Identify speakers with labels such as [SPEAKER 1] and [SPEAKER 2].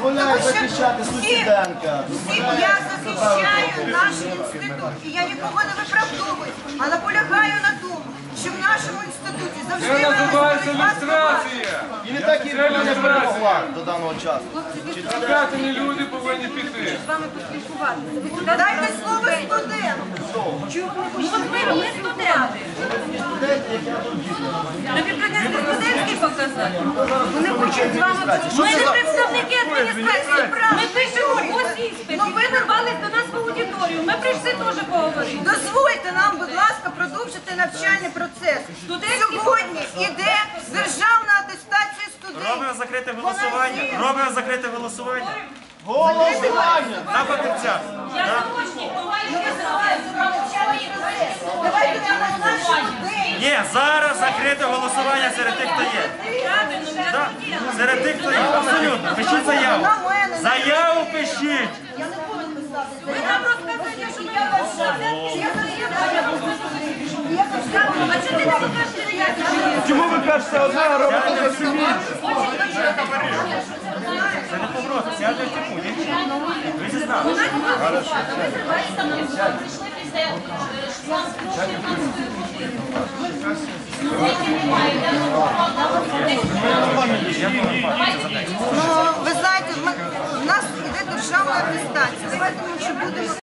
[SPEAKER 1] дозволяє захищати Сусіденка.
[SPEAKER 2] Я захищаю наш інститут, і я нікого не виправдовую, а наполягаю на тому, що в нашому інституті завжди
[SPEAKER 3] Це називається
[SPEAKER 2] виростуть вас
[SPEAKER 3] люстрація.
[SPEAKER 1] І не так і не перемогла до даного часу.
[SPEAKER 3] Вчені люди повинні піти.
[SPEAKER 2] з вами поспілкуватися. Дайте слово студенту. Ми студенти. Студентський показати. Вони хочуть з вами. Ми не представники адміністрації прав. Ми пишемо ось іспит. Ви нарвались до нас в аудиторію. Ми прийшли теж поговорити. Дозвольте нам, будь ласка, продовжити навчальний процес. Сьогодні іде державна атестація студентів.
[SPEAKER 4] Робимо закрите голосування. Робимо закрите голосування.
[SPEAKER 1] Голосування!
[SPEAKER 4] На фахівця.
[SPEAKER 2] Давайте на нашому день.
[SPEAKER 4] Ні, зараз закрите голосування серед тих, хто є. Так, серед тих, хто є. Абсолютно. Пишіть заяву. Заяву пишіть.
[SPEAKER 2] Я не буду писати. Ви нам розказуєте, що ми А чому ти не покажете, як я?
[SPEAKER 1] Чому ви кажете одне, а робите зовсім інше?
[SPEAKER 4] Це не погроза, сядьте в тюрму. Ви зізнали.
[SPEAKER 2] Ну, ви знаєте, в нас іде державна атестація. Давайте ми вже будемо